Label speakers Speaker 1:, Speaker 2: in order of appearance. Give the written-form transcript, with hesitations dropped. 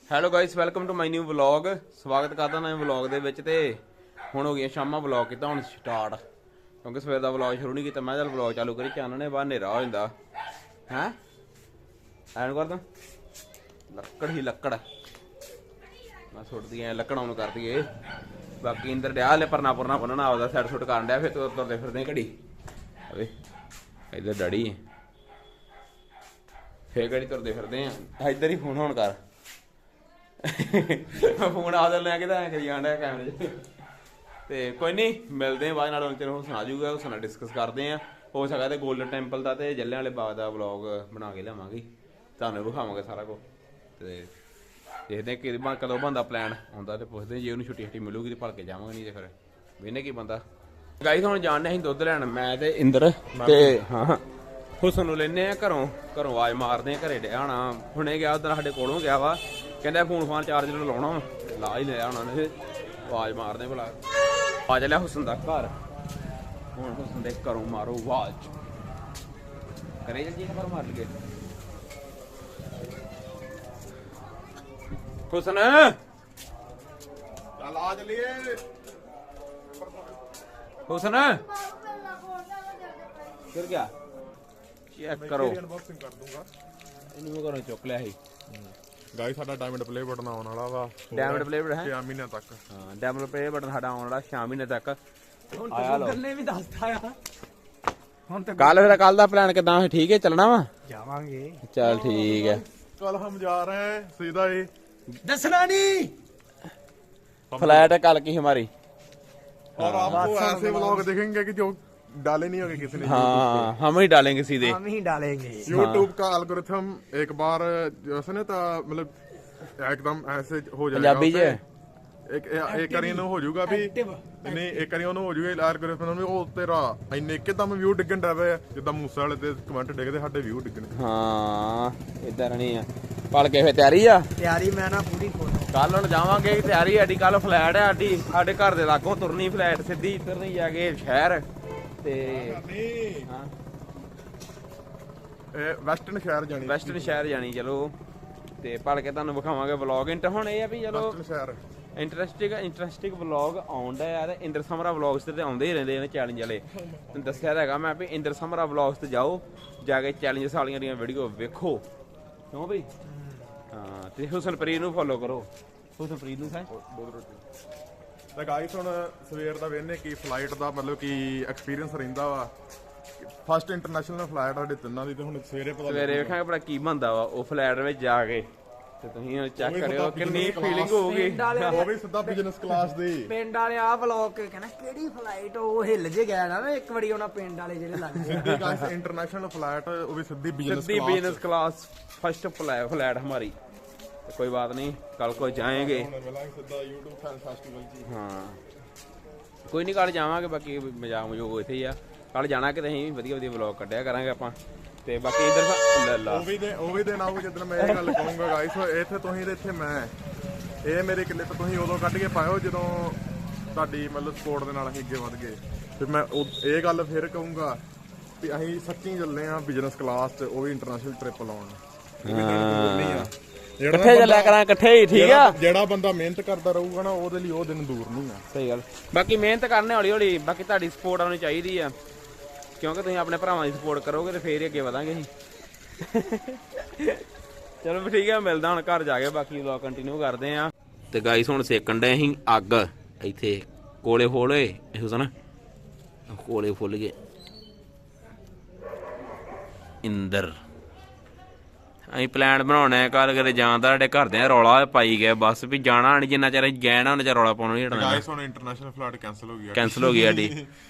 Speaker 1: Hello guys, welcome to my new vlog. ਸਵਾਗਤ ਕਰਦਾ ਨਵੇਂ ਵਲੌਗ ਦੇ ਵਿੱਚ। ਤੇ ਹੁਣ ਹੋ ਗਈਆਂ ਸ਼ਾਮਾਂ, ਵਲੌਗ ਕੀਤਾ ਹੁਣ ਸਟਾਰਟ, ਕਿਉਂਕਿ ਸਵੇਰ ਦਾ ਵਲੌਗ ਸ਼ੁਰੂ ਨਹੀਂ ਕੀਤਾ। ਮੈਂ ਚੱਲ ਵਲੌਗ ਚਾਲੂ ਕਰੀ, ਚਾਨਣੇ ਬਾਹਰ ਹਨੇਰਾ ਹੋ ਜਾਂਦਾ ਹੈ। ਐਨ ਕਰਦਾ ਲੱਕੜ ਹੀ ਲੱਕੜ ਮੈਂ ਸੁੱਟਦੀ ਐ, ਲੱਕੜਾਂ ਨੂੰ ਕਰਦੀ ਏ। ਬਾਕੀ ਇੰਦਰ ਡਿਆ ਹਲੇ ਪਰਨਾ ਪੁਰਨਾ ਬੰਨਣਾ ਆਪਦਾ, ਸੈਟ ਸੁੱਟ ਕਰਨ ਡਿਆ। ਫਿਰ ਤੁਰਦੇ ਫਿਰਦੇ ਘੜੀ ਅਵੇ ਇੱਧਰ ਡੈਡੀ, ਫੇਰ ਘੜੀ ਤੁਰਦੇ ਫਿਰਦੇ ਆ। ਇੱਧਰ ਹੀ ਫੋਨ ਹੁਣ ਕਰ ਫੋਨ ਆਦਲ ਲੈ ਕੇ ਤਾਂ ਐਂ ਕਰੀ ਜਾਂਦਾ ਕੈਮਰੇ 'ਚ। ਤੇ ਕੋਈ ਨਹੀਂ, ਮਿਲਦੇ ਆ ਬਾਅਦ ਨਾਲ। ਹੁਣ ਤੈਨੂੰ ਸੁਣਾ ਜੂਗਾ, ਉਸ ਨਾਲ ਡਿਸਕਸ ਕਰਦੇ ਆ। ਹੋ ਸਕਦਾ ਤੇ ਗੋਲਡਨ ਟੈਂਪਲ ਦਾ ਤੇ ਜੱਲਿਆਂ ਵਾਲੇ ਬਾਗ ਦਾ ਵਲੌਗ ਬਣਾ ਕੇ ਲਿਆਵਾਂਗੇ, ਤੁਹਾਨੂੰ ਵਿਖਾਵਾਂਗੇ ਸਾਰਾ ਕੁਝ। ਤੇ ਦੇਖਦੇ ਕਿ ਕਦੋਂ ਬਣਦਾ ਪਲਾਨ ਆਉਂਦਾ, ਤੇ ਪੁੱਛਦੇ ਜੇ ਉਹਨੂੰ ਛੁੱਟੀ ਮਿਲੂਗੀ ਤੇ ਭਲ ਕੇ ਜਾਵਾਂਗੇ, ਨਹੀਂ ਤੇ ਫਿਰ ਵੇਨੇ ਕੀ ਬੰਦਾ। ਗਾਈਸ ਹੁਣ ਜਾਣਦੇ ਅਸੀਂ ਦੁੱਧ ਲੈਣ, ਮੈਂ ਤੇ ਇੰਦਰ। ਤੇ ਹਾਂ ਹੁਸਨ ਨੂੰ ਲੈਨੇ ਆ ਘਰੋਂ ਆਵਾਜ਼ ਮਾਰਦੇ ਆ, ਘਰੇ ਡਿਆ ਹੋਣਾ। ਹੁਣੇ ਗਿਆ ਉਧਰ ਸਾਡੇ ਕੋਲੋਂ ਗਿਆ ਵਾ, ਕਹਿੰਦਾ ਫੋਨ ਫਾਨ ਚਾਰਜਰ ਲਾਉਣਾ, ਲਾ ਹੀ ਲਿਆ ਉਹਨਾਂ ਨੇ। ਆਵਾਜ਼ ਮਾਰਦੇ ਭਲਾ ਆ ਚੱਲਿਆ ਹੁਸਨ ਦਾ ਘਰ। ਹੁਣ ਹੁਸਨ ਦੇ ਘਰੋਂ ਮਾਰੋ ਆਵਾਜ਼, ਕਰੇ ਜੀ ਖਬਰ ਮਾਰ ਲਈਏ। ਹੁਸਨ
Speaker 2: ਚੱਲ ਆ ਚਲੀਏ।
Speaker 1: ਹੁਸਨ ਫਿਰ ਗਿਆ, ਚੈੱਕ ਕਰੋ।
Speaker 2: ਅਨਬਾਕਸਿੰਗ ਕਰ ਦੂੰਗਾ।
Speaker 1: ਇਹਨੂੰ ਮੈਂ ਘਰੋਂ ਚੁੱਕ ਲਿਆ ਸੀ।
Speaker 2: ਗਾਇਸ ਸਾਡਾ ਡਾਇਮੰਡ ਪਲੇ ਬਟਨ ਆਉਣ ਵਾਲਾ ਵਾ,
Speaker 1: ਡਾਇਮੰਡ ਪਲੇ ਬਟਨ ਹੈ
Speaker 2: 6 ਮਹੀਨਿਆਂ ਤੱਕ।
Speaker 1: ਹਾਂ, ਡਾਇਮੰਡ ਪਲੇ ਬਟਨ ਸਾਡਾ ਆਉਣ ਵਾਲਾ 6 ਮਹੀਨੇ ਤੱਕ। ਆਇਆ ਲੋ
Speaker 3: ਨੇ ਵੀ ਦੱਸਤਾ ਆ। ਹੁਣ ਤੇ
Speaker 1: ਕੱਲ ਦਾ ਪਲਾਨ ਕਿਦਾਂ? ਠੀਕ ਹੈ, ਚੱਲਣਾ ਵਾ।
Speaker 3: ਜਾਵਾਂਗੇ।
Speaker 1: ਚੱਲ ਠੀਕ ਹੈ।
Speaker 2: कल हम जा रहे हैं सीधा ही।
Speaker 3: ਦੱਸਣਾ ਨਹੀਂ।
Speaker 1: फ्लाइट कल की हमारी।
Speaker 2: और आपको ऐसे व्लॉग दिखेंगे कि जो डाले नहीं होंगे किसी ने।
Speaker 1: हाँ, हम ही डालेंगे सीधे।
Speaker 3: हम ही डालेंगे।
Speaker 2: यूट्यूब का एल्गोरिथम एक बार जैसे ना था, मतलब एकदम ऐसे हो जाएगा।
Speaker 1: पंजाबी
Speaker 2: उसे
Speaker 1: च
Speaker 2: एक करी ਨੂੰ ਹੋ ਜਾਊਗਾ ਵੀ ਨਹੀਂ, ਇੱਕ ਕਰੀ ਉਹਨੂੰ ਹੋ ਜਾਊਗਾ ਐਲਗੋਰਿਥਮ ਨੂੰ, ਉਹ ਤੇਰਾ ਇੰਨੇ ਇੱਕਦਮ ਵਿਊ ਡਿੱਗਣ ਡਾ ਪਏ, ਜਿੱਦਾਂ ਮੂਸੇ ਵਾਲੇ ਤੇ ਕਮੈਂਟ ਡਿੱਗਦੇ, ਸਾਡੇ ਵਿਊ ਡਿੱਗਣ।
Speaker 1: हाँ, इधर नहीं है। पल के फिर तैयारी आ।
Speaker 3: ਤਿਆਰੀ ਮੈਂ ਨਾ ਪੂਰੀ ਖੋਲ।
Speaker 1: ਕੱਲ ਹੁਣ ਜਾਵਾਂਗੇ, ਤਿਆਰੀ ਸਾਡੀ। ਕੱਲ ਫਲੈਟ ਹੈ ਸਾਡੀ, ਸਾਡੇ ਘਰ ਦੇ ਲਾਗੋਂ ਤੁਰਨੀ ਫਲੈਟ ਸਿੱਧੀ, ਇੱਧਰ ਨਹੀਂ ਜਾ ਕੇ ਸ਼ਹਿਰ। ਤੇ ਹਾਂ,
Speaker 2: ਇਹ ਵੈਸਟਰਨ ਸ਼ਹਿਰ ਜਾਣੀ,
Speaker 1: ਵੈਸਟਰਨ ਸ਼ਹਿਰ ਜਾਣੀ। ਚਲੋ ਤੇ ਭਲ ਕੇ ਤੁਹਾਨੂੰ ਵਿਖਾਵਾਂਗੇ ਵਲੌਗ। ਹੁਣ ਇਹ ਆ ਵੀ ਚਲੋ
Speaker 2: ਵੈਸਟਰਨ ਸ਼ਹਿਰ।
Speaker 1: ਇੰਟਰਸਟਿੰਗ ਵਲੌਗ ਆਉਂਦਾ ਯਾਰ। ਇੰਦਰ ਸਮਰਾ ਵਲੌਗਸ ਤੇ ਆਉਂਦੇ ਹੀ ਰਹਿੰਦੇ ਨੇ ਚੈਲੰਜ ਵਾਲੇ। ਤੈਨੂੰ ਦੱਸਿਆ ਤਾਂ ਹੈਗਾ ਮੈਂ ਵੀ ਇੰਦਰ ਸਮਰਾ ਵਲੌਗਸ ਤੇ ਜਾਓ, ਜਾ ਕੇ ਚੈਲੰਜ ਵਾਲੀਆਂ ਦੀਆਂ ਵੀਡੀਓ ਵੇਖੋ, ਕਿਉਂ ਬਈ? ਹਾਂ, ਤੇ ਹੁਸਨਪ੍ਰੀਤ ਨੂੰ ਫੋਲੋ ਕਰੋ। ਹੁਸਨਪ੍ਰੀਤ ਨੂੰ ਸਾਂ
Speaker 2: ਤਾਂ ਗਾਈਸ ਹੁਣ ਸਵੇਰ ਦਾ ਵੇਖਨੇ ਕੀ ਫਲਾਈਟ ਦਾ ਮਤਲਬ ਕੀ ਐਕਸਪੀਰੀਅੰਸ ਰਹਿੰਦਾ ਵਾ। ਫਸਟ ਇੰਟਰਨੈਸ਼ਨਲ ਫਲਾਈਟ ਸਾਡੇ ਤਿੰਨਾਂ ਦੀ, ਤੇ ਹੁਣ ਸਵੇਰੇ ਪਤਾ
Speaker 1: ਸਵੇਰੇ ਵੇਖਾਂਗੇ ਭਲਾ ਕੀ ਬਣਦਾ ਵਾ ਉਹ ਫਲਾਈਟ ਵਿੱਚ ਜਾ ਕੇ। ਤੇ ਤੁਸੀਂ ਚੈੱਕ ਕਰਿਓ ਕਿੰਨੀ ਫੀਲਿੰਗ ਹੋਊਗੀ।
Speaker 2: ਉਹ ਵੀ ਸਿੱਧਾ ਬਿਜ਼ਨਸ ਕਲਾਸ ਦੀ।
Speaker 3: ਪਿੰਡ ਵਾਲੇ ਆ ਵਲੌਗ ਕਹਿੰਦਾ ਕਿਹੜੀ ਫਲਾਈਟ, ਉਹ ਹਿੱਲ ਜੇ ਗਿਆ ਨਾ ਇੱਕ ਵਾਰੀ ਉਹਨਾਂ ਪਿੰਡ ਵਾਲੇ ਜਿਹੜੇ ਲੱਗ ਗਏ।
Speaker 2: ਸਿੱਧੀ ਗਾਈਸ ਇੰਟਰਨੈਸ਼ਨਲ ਫਲਾਈਟ, ਉਹ ਵੀ ਸਿੱਧੀ ਬਿਜ਼ਨਸ
Speaker 1: सिद्धि बिजनेस क्लास फर्स्ट फ्लाइट हमारी। तो कोई बात नहीं, कल को जाएंगे।
Speaker 2: ਸਿੱਧਾ YouTube ਫੈਨ ਫੈਸਟੀਵਲ ਜੀ।
Speaker 1: हाँ, कोई नहीं, कल जावांगे। बाकी मजाक मजूक ਇੱਥੇ ਹੀ ਆ। ਕੱਲ ਜਾਣਾ ਕਿ ਅਸੀਂ ਵਧੀਆ ਵਧੀਆ ਵਲੌਗ ਕੱਢਿਆ ਕਰਾਂਗੇ ਆਪਾਂ। ਤੇ ਬਾਕੀ ਇਧਰ ਲੱਲਾ
Speaker 2: ਉਹ ਵੀ ਦਿਨ ਆਊਗਾ ਜਦੋਂ ਮੈਂ ਇਹ ਗੱਲ ਕਹੂੰਗਾ ਗਾਈਸ, ਇੱਥੇ ਤੁਸੀਂ ਤੇ ਇੱਥੇ ਮੈਂ, ਇਹ ਮੇਰੇ ਕਿੱਲੇ ਤੋਂ ਤੁਸੀਂ ਉਦੋਂ ਕੱਢ ਕੇ ਪਾਇਓ ਜਦੋਂ ਤੁਹਾਡੀ ਮਤਲਬ ਸਪੋਰਟ ਦੇ ਨਾਲ ਅਸੀਂ ਅੱਗੇ ਵਧ ਗਏ। ਤੇ ਮੈਂ ਇਹ ਗੱਲ ਫੇਰ ਕਹੂੰਗਾ ਵੀ ਅਸੀਂ ਸੱਚੀ ਚੱਲੇ ਆ ਬਿਜ਼ਨਸ ਕਲਾਸ 'ਚ, ਉਹ ਵੀ ਇੰਟਰਨੈਸ਼ਨਲ ਟ੍ਰਿਪ ਲਾਉਣ।
Speaker 1: ਇਕੱਠੇ ਚੱਲਿਆ ਕਰਾਂ, ਇਕੱਠੇ ਹੀ ਠੀਕ ਆ।
Speaker 2: ਜਿਹੜਾ ਬੰਦਾ ਮਿਹਨਤ ਕਰਦਾ ਰਹੂਗਾ ਨਾ, ਉਹਦੇ ਲਈ ਉਹ ਦਿਨ ਦੂਰ ਨਹੀਂ ਆ।
Speaker 1: ਸਹੀ ਗੱਲ। ਬਾਕੀ ਮਿਹਨਤ ਕਰਨੇ ਹੌਲੀ ਹੌਲੀ। ਬਾਕੀ ਤੁਹਾਡੀ ਸਪੋਰਟ ਆਉਣੀ ਚਾਹੀਦੀ ਆ, ਕਿਉਂਕਿ ਤੁਸੀਂ ਆਪਣੇ ਭਰਾਵਾਂ ਦੀ ਸਪੋਰਟ ਕਰੋਗੇ ਤੇ ਫੇਰ ਹੀ ਅੱਗੇ ਵਧਾਂਗੇ ਅਸੀਂ। ਚਲੋ ਵੀ ਠੀਕ ਆ, ਮਿਲਦਾ ਹੁਣ ਘਰ ਜਾ ਕੇ, ਬਾਕੀ ਵਲੌਗ ਕੰਟੀਨਿਊ ਕਰਦੇ ਆ। ਤੇ ਗਾਈਸ ਹੁਣ ਸੇਕਣ ਡਏ ਅਸੀਂ ਅੱਗ ਇੱਥੇ, ਕੋਲੇ ਫੋਲੇ ਹੁਸਨ, ਕੋਲੇ ਫੁੱਲ ਗਏ। ਇੰਦਰ ਅਸੀਂ ਪਲਾਨ ਬਣਾਉਣਾ ਕੱਲ ਕਦੇ ਜਾਣ ਦਾ, ਸਾਡੇ ਘਰਦਿਆਂ ਰੌਲਾ ਪਾਈ ਗਿਆ ਬਸ ਵੀ ਜਾਣਾ ਨਹੀਂ, ਜਿੰਨਾ ਚਿਰ ਗਏ ਨਾ ਉਹਨਾਂ ਚਿਰ ਰੌਲਾ ਪਾਉਣਾ ਨਹੀਂ ਹਟਣਾ।
Speaker 2: ਗਾਈਸ ਹੁਣ ਇੰਟਰਨੈਸ਼ਨਲ ਫਲਾਈਟ ਕੈਨਸਲ ਹੋ ਗਈ,
Speaker 1: ਕੈਨਸਲ ਹੋ ਗਈ ਸਾਡੀ।